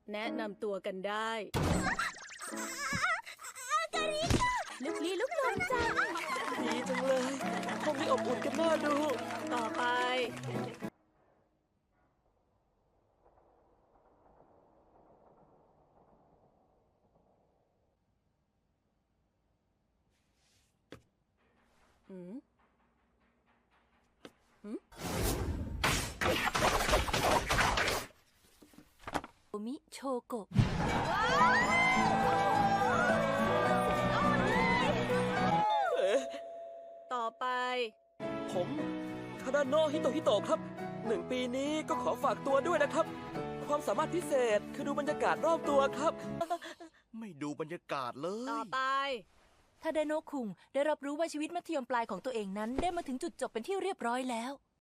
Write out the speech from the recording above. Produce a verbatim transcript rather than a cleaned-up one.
แนะนำตัวกันได้ลุกลี้ลุกลนจังดีจังเลยห้องนี้อบอุ่นกันน่าดูต่อไป หืม หืมโอมิโชโกะเอ๊ะต่อไปผมคานาโนะฮิโตฮิโตะครับหนึ่งปีนี้ก็ขอฝากตัวด้วยนะครับ ความสามารถพิเศษคือดูบรรยากาศรอบตัวครับไม่ดูบรรยากาศเลยต่อไปทาดาโนะคุงได้รับรู้ว่าชีวิตมัธยมปลายของตัวเองนั้นได้มาถึงจุดจบเป็นที่เรียบร้อยแล้ว